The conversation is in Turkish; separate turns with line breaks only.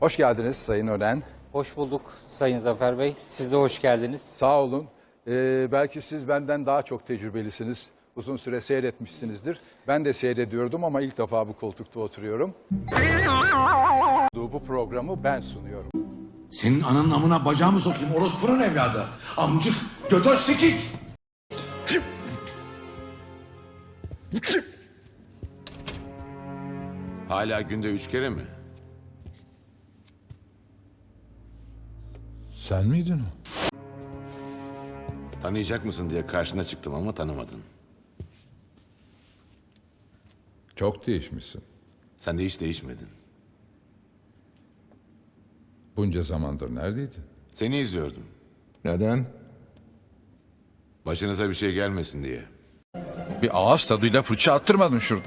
Hoş geldiniz Sayın Ören.
Hoş bulduk Sayın Zafer Bey. Siz de hoş geldiniz.
Sağ olun. Belki siz benden daha çok tecrübelisiniz. Uzun süre seyretmişsinizdir. Ben de seyrediyordum ama ilk defa bu koltukta oturuyorum. Bu programı ben sunuyorum.
Senin ananın amına bacağımı sokayım orospunun evladı. Amcık, götöz sikik.
Hala günde 3 kere mi?
Sen miydin o?
Tanıyacak mısın diye karşına çıktım ama tanımadın.
Çok değişmişsin.
Sen de hiç değişmedin.
Bunca zamandır neredeydin?
Seni izliyordum.
Neden?
Başınıza bir şey gelmesin diye.
Bir ağız tadıyla fırça attırmadın şurada.